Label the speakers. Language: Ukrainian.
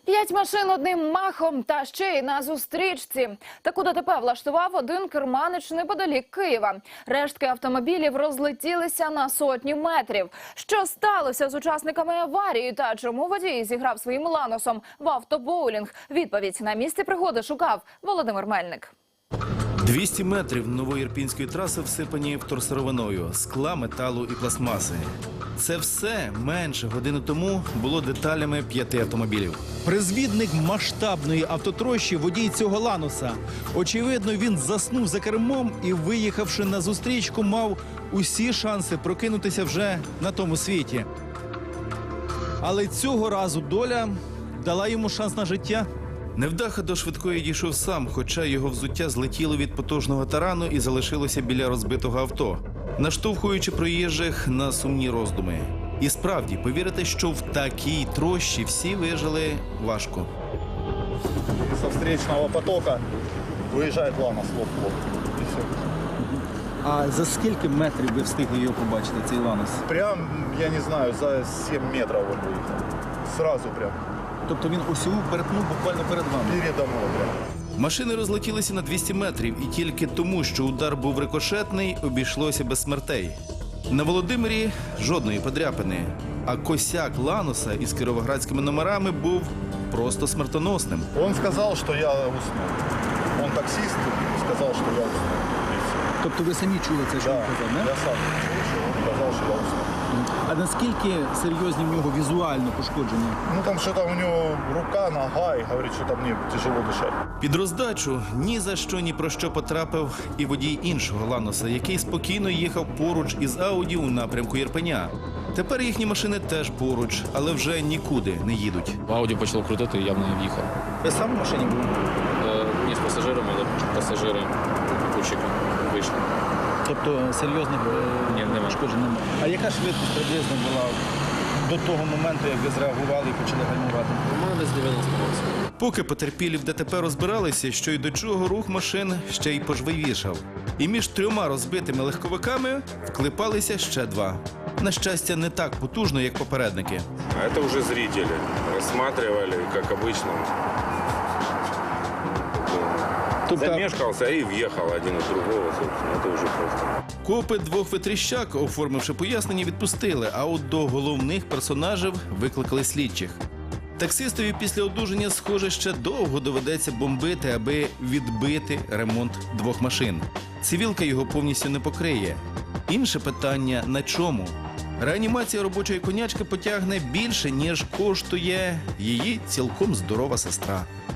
Speaker 1: 5 машин одним махом та ще й на зустрічці. Таку ДТП влаштував один керманич неподалік Києва. Рештки автомобілів розлетілися на сотні метрів. Що сталося з учасниками аварії та чому водій зіграв своїм ланосом в автобоулінг? Відповідь на місці пригоди шукав Володимир Мельник.
Speaker 2: 200 метрів новоірпінської траси всипані вторсировиною, скла, металу і пластмаси. Це все менше години тому було деталями 5 автомобілів.
Speaker 3: Призвідник масштабної автотрощі – водій цього ланоса. Очевидно, він заснув за кермом і, виїхавши на зустрічку, мав усі шанси прокинутися вже на тому світі. Але цього разу доля дала йому шанс на життя.
Speaker 2: Невдаха до швидкої дійшов сам, хоча його взуття злетіло від потужного тарану і залишилося біля розбитого авто, наштовхуючи проїжджих на сумні роздуми. І справді, повірити, що в такій трощі всі вижили, важко.
Speaker 4: Со встречного потока виїжджає ланос лоб-лоб. І все.
Speaker 3: А за скільки метрів ви встигли його побачити, цей ланос?
Speaker 4: Прям, я не знаю, за 7 метрів він виїхав. Сразу прям.
Speaker 3: Тобто він осіву перетнув буквально перед вами?
Speaker 4: Передо мною прям.
Speaker 2: Машини розлетілися на 200 метрів, і тільки тому, що удар був рикошетний, обійшлося без смертей. На Володимирі жодної подряпини, а косяк ланоса із кіровоградськими номерами був просто смертоносним.
Speaker 4: Он сказав, що я уснув. Он таксист, сказав, що я уснув. І все.
Speaker 3: Тобто ви самі чули це, що
Speaker 4: Да,
Speaker 3: він казав, не?
Speaker 4: я сам слышал, он сказав, що я уснув.
Speaker 3: А наскільки серйозні в нього візуально пошкодження?
Speaker 4: Ну там що там у нього рука, нога, і говорить, що там мені тяжело дишати.
Speaker 2: Під роздачу ні за що, ні про що потрапив і водій іншого ланоса, який спокійно їхав поруч із Ауді у напрямку Ірпеня. Тепер їхні машини теж поруч, але вже нікуди не їдуть.
Speaker 5: Ауді почало крутити, явно не в'їхав.
Speaker 3: Ви сам в машині були?
Speaker 5: Ні з пасажирами, але пасажири попутчики вийшли.
Speaker 3: Тобто серйозних
Speaker 5: Ні, немає.
Speaker 3: пошкоджень немає. А яка швидкість приблизно була до того моменту, як ви зреагували і почали гальмувати?
Speaker 5: У мене десь 90 років.
Speaker 2: Поки потерпілі в ДТП розбиралися, що й до чого, рух машин ще й пожвавішав. І між 3 розбитими легковиками вклипалися ще 2. На щастя, не так потужно, як попередники.
Speaker 6: А это уже зрители рассматривали, как обычно. Замешкался и въехал один из другого, собственно. Это уже просто.
Speaker 2: Копи 2 витріщак, оформивши пояснення, відпустили, а от до головних персонажів викликали слідчих. Таксистові після одужання, схоже, ще довго доведеться бомбити, аби відбити ремонт 2 машин. Цивілка його повністю не покриє. Інше питання – на чому? Реанімація робочої конячки потягне більше, ніж коштує її цілком здорова сестра.